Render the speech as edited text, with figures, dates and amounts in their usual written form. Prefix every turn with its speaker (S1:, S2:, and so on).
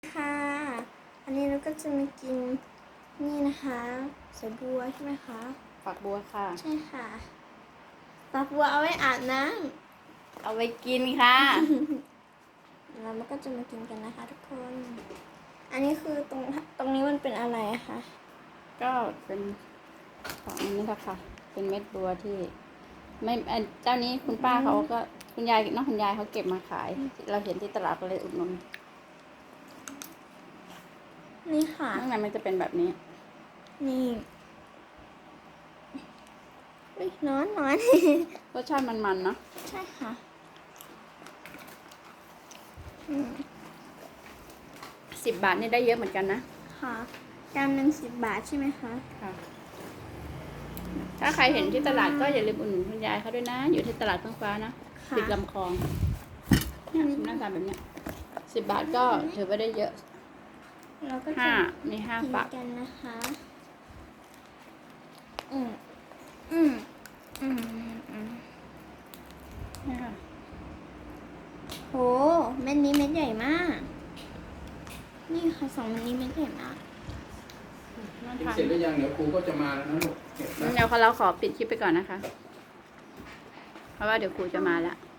S1: ค่ะ อันนี้เราก็จะมากินนี่นะคะสายบัวใช่ไหมคะ
S2: ฝักบัวค่ะ
S1: ใช่ค่ะฝักบัวเอาไว้อาบน้
S2: เอาไปกินค่ะ
S1: ำเราก็จะมากินกันนะคะทุกคน อันนี้คือตรงนี้มันเป็นอะไรอะคะ
S2: ก็เป็นของอันนี้ค่ะ เป็นเม็ดบัวที่ ไม่เจ้านี้คุณป้าเขาก็คุณยายน้องคุณยายเขาเก็บมาขาย เราเห็นที่ตลาดก็เลยอุดหนุน
S1: นี่ค่ะ
S2: ข้างในมันจะเป็นแบบนี้
S1: นี่อุ๊ยร้อน
S2: รสชาติมันๆเนาะ
S1: ใช่ค่ะ
S2: 10 บาทนี่ได้เยอะเหมือนกันนะ
S1: ค่ะจานหนึ่ง10 บาทใช่ไหมคะ
S2: ค่ะ ถ้าใครเห็นที่ตลาดก็อย่าลืมอุดหนุนคุณยายเขาด้วยนะ อยู่ที่ตลาดเฟื่องฟ้านะ
S1: ค่ะ
S2: ติดลำคลองเนี่ยหน้าตาแบบเนี้ย10 บาทก็ถือว่าได้เยอะ
S1: เราก็จะ
S2: มีห้า
S1: กิน
S2: ฝัก
S1: กันนะคะ
S2: นี่ค่ะ
S1: โหเม็ดนี้เม็ดใหญ่มาก นี่ค่ะ2 เม็ดนี้เม็ดใหญ่มาก
S2: น่า
S3: กิน
S2: ทาน
S3: เสร็จแล้วยังเดี๋ยวครูก็จะมาแล้วนะลูกเก็บนะ
S2: เดี๋ยวเราขอปิดคลิปไปก่อนนะคะ เพราะว่าเดี๋ยวครูจะมาแล้ว